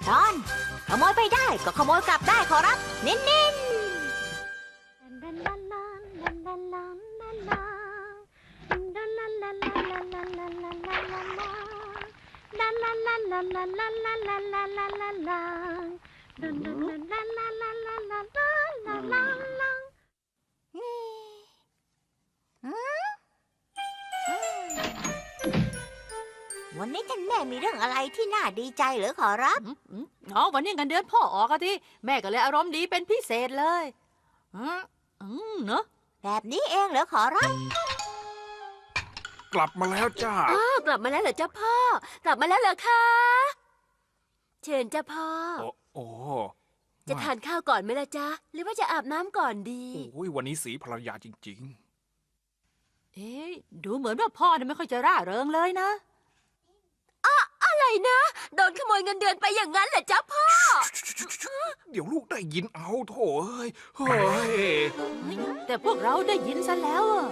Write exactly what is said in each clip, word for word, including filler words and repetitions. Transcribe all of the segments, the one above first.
ตอนขโมยไปได้ก็ขโมยกลับได้ขอรับเน้นๆวันนี้ท่านแม่มีเรื่องอะไรที่น่าดีใจเหรือขอรับอืมอืมอ๋อวันนี้เงินเดือนพ่อออกอะที่แม่ก็เลยอารมณ์ดีเป็นพิเศษเลยอืมอืมเนอะแบบนี้เองเหรอขอรับกลับมาแล้วจ้าอ้าวกลับมาแล้วเหรอเจ้าพ่อ กลับมาแล้วเหรอคะเชิญเจ้าพ่อโอ้โอ้จะทานข้าวก่อนไหมล่ะจ๊ะ หรือว่าจะอาบน้ำก่อนดีโอ้ยวันนี้สีภรรยาจริงเอ๊ะดูเหมือนว่าพ่อเนี่ยไม่ค่อยจะร่าเริงเลยนะอะไรนะ โดนขโมยเงินเดือนไปอย่างนั้นเหรอเจ้าพ่อๆ เดี๋ยวลูกได้ยินเอาโถเอ้ยเฮ้ยแต่พวกเราได้ยินซะแล้วอะ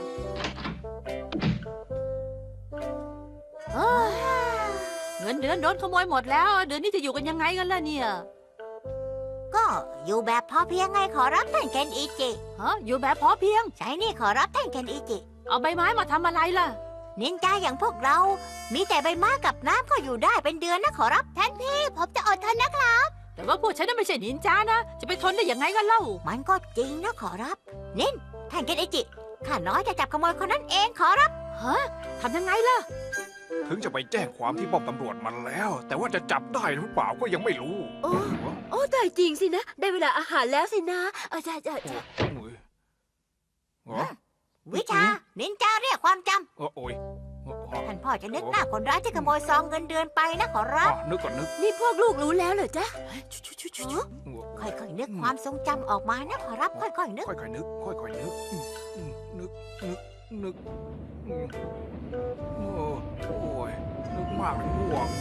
เอ้ยเงินเดือนโดนขโมยหมดแล้ว เดือนนี้จะอยู่กันยังไงกันล่ะเนี่ยก็อยู่แบบพอเพียงไงขอรับท่านเคนอิจิฮะอยู่แบบพอเพียงใช่นี่ขอรับท่านเคนอิจิเอาใบไม้มาทำอะไรล่ะนินจาอย่างพวกเรา มีแต่ใบไม้กับน้ำก็อยู่ได้เป็นเดือนนะขอรับท่านพี่ผมจะอดทนนะครับแต่ว่าพวกฉันน่ะไม่ใช่นินจานะ จะไปทนได้ยังไงกันเล่ามันก็จริงนะขอรับนินท่านเคนอิจิข้าน้อยจะจับขโมยคนนั้นเองขอรับฮะทำยังไงล่ะถึงจะไปแจ้งความที่ป้อมตำรวจมันแล้ว แต่ว่าจะจับได้หรือเปล่าก็ยังไม่รู้โอ้ โอ้ตายจริงสินะ ได้เวลาอาหารแล้วสินะเออจ้าจ้าโอ้จ้าโอ้ยเหรอวิชานินจาเรียกความจเออโอ้ยเออเออำท่านพ่อจะนึกหน้าคนร้ายที่ขโมยซองเงินเดือนไปนะขอรัอ่ะบนึกก่อนนึกนี่พวกลูกรู้แล้วเหรอจ๊ะชุชุชุอ๋ชุอโอ้ค่อยๆนึกความทรงจำออกมานะขอรับค่อยๆนึกค่อยๆนึก ค่อยๆนึกอืมอืมนึก นึก นึกอืมโอ้โอ้ยนึกมากเลยง่วง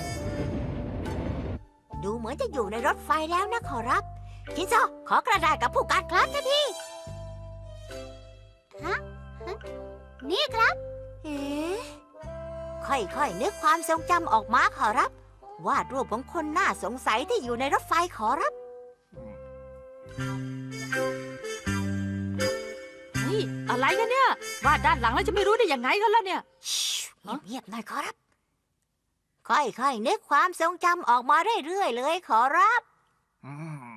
ดูเหมือนจะอยู่ในรถไฟแล้วนะขอรับชินโซขอกระดาษกับผู้การครับท่านพี่ฮะฮะนี่ครับเอ๊ะค่อยๆนึกความทรงจำออกมาขอรับ วาดรูปของคนน่าสงสัยที่อยู่ในรถไฟขอรับนี่อะไรกันเนี่ยวาดด้านหลังแล้วจะไม่รู้ได้ยังไงกันล่ะเนี่ยชิเงียบๆหน่อยขอรับ ค่อยๆนึกความทรงจำออกมาเรื่อยๆเลยขอรับอืม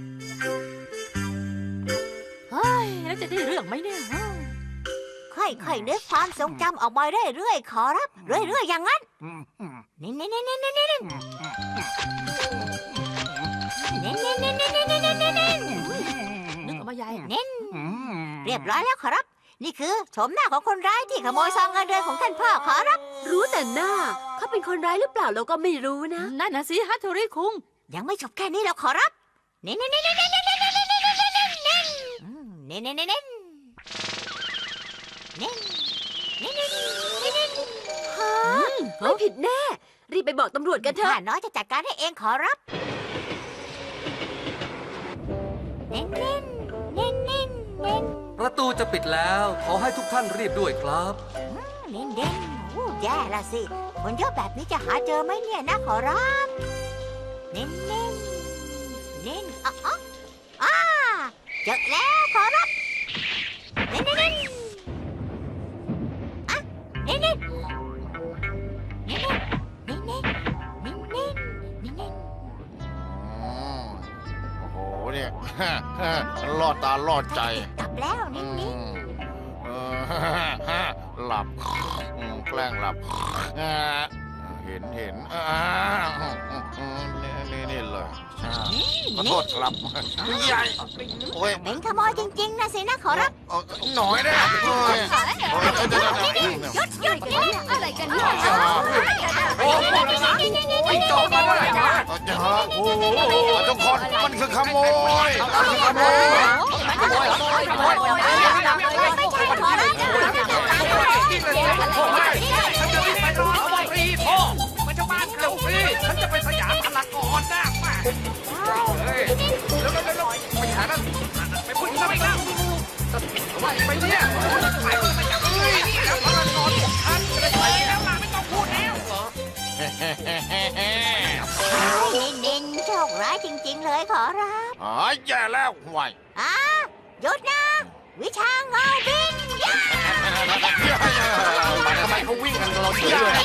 เฮ้ยแล้วจะได้เรื่องไหมเนี่ยฮะค่อยๆนึกความทรงจำออกมาเรื่อยๆขอรับ เรื่อยๆอย่างนั้นอืมอืมเน้นๆๆๆๆๆเน้นๆๆๆๆๆๆนึกออกมาใหญ่เน้นอืมเรียบร้อยแล้วขอรับ นี่คือโฉมหน้าของคนร้ายที่ขโมยซองเงินเดือนของท่านพ่อขอรับรู้แต่หน้า เขาเป็นคนร้ายหรือเปล่าเราก็ไม่รู้นะนั่นนะสิฮัตโทริคุงยังไม่จบแค่นี้แล้วขอรับเน้นๆๆๆๆๆๆๆๆอืมเน้นๆๆๆๆเน้นเน้นเน้นๆฮะ ไม่ผิดแน่ รีบไปบอกตำรวจกันเถข้าอะน้อยจะจัดการให้เองขอรับเน้นเน้นเน้นเน้นเน้นประตูจะปิดแล้ว ขอให้ทุกท่านรีบด้วยครับเน้นเน้นโอ้แย่ละสิคนเยอะแบบนี้จะหาเจอไหมเนี่ยนะขอรับเน้นเน้นเน้นอ๋ออ๋ออ่าเจอแล้วขอรับเน้นเน้นเน้นอ่ะเน้นเน้นเน้นเน้นเน้นเน้นเน้นเน้นเน้นอืมโอ้โหเนี่ย ลอดตาลอดใจกลับแล้วเน้นอืเน้นมเออ หลับอืมแกล้งหลับอ่าเห็นเห็นอ่าอืมนี่นี่นี่เลยใช่ขอโทษครับใหญ่โอ้ยเป็นขโมยจริงๆนะสินะขอรับเอ่อหน่อยนะโอ้ยโอ้ยเดี๋ยวเดี๋ยวเดี๋ยวหยุดหยุดหยุดอะไรกันเนี่ยโอ้โหไม่จบกันเลยนะโอ้โหทุกคนมันคือขโมยมันคือขโมยฉันจะรีบไปรอเอาฟรีพ่อมันจะบ้านเขาฟรีฉันจะไปสยามพารากอนนะมาเฮ้ยแล้วแล้วแล้วไปหาแล้วไปพูดทำไมล่ะไปเนี่ยไปสยามฟรีแล้วพารากอนฉันจะไปแล้วล่ะไม่ต้องพูดแล้วเน้นเลยขอรับหายแย่แล้วห่วยอ่าหยุดนะ วิชาเงาบินย่าทำไมเขาวิ่งกันเราเฉยเลย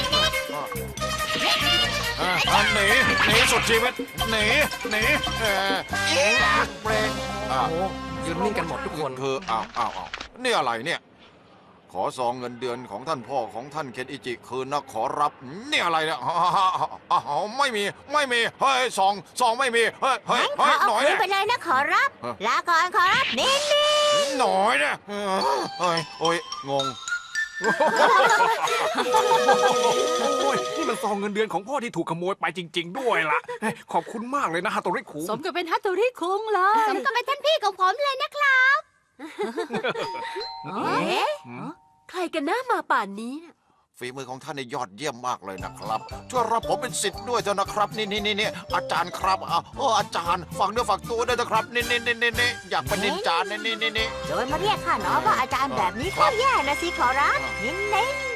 อ่ะหนีหนีสุดชีวิตหนีหนีเออเบรกอ่ะโอ้ยืนนิ่งกันหมดทุกคนคืออ้าวอ้าวอ้าวนี่อะไรเนี่ย ขอซองเงินเดือนของท่านพ่อของท่านเคนอิจิคืนนะขอรับนี่อะไรเนี่ยอ้าวไม่มีไม่มีเฮ้ยซองซองไม่มีเฮ้ยเฮ้ยงั้นขเฮ้อย เอาหน่อยคืนเนี่ยไปเลยนะขอรับฮะลาก่อนขอรับนี่นี่หน่อยเนี่ยเฮ้ยโอ้ยงงโอ้ยนี่มันซองเงินเดือนของพ่อที่ถูกขโมยไปจริง ๆ ด้วยล่ะเฮ้ยขอบคุณมากเลยนะฮาโตริคุงสมกับเป็นฮัตโตริคุงเลยสมกับเป็นท่านพี่ของผมเลยนะครับเอ๊ะใครกันหน้ามาป่านนี้น่ะฝีมือของท่านนี่ยอดเยี่ยมมากเลยนะครับ ช่วยรับผมเป็นศิษย์ด้วยเถอะนะครับ นี่นี่นี่นี่อาจารย์ครับอ่ะโอ้อาจารย์ฝักเนื้อฝักตัวด้วยนะครับ นี่นี่นี่นี่นี่อยากเป็นนินจานี่นี่นี่นี่โดยมาเรียกข้าน้องว่าอาจารย์แบบนี้ก็แย่นะสิขอรับนินนิน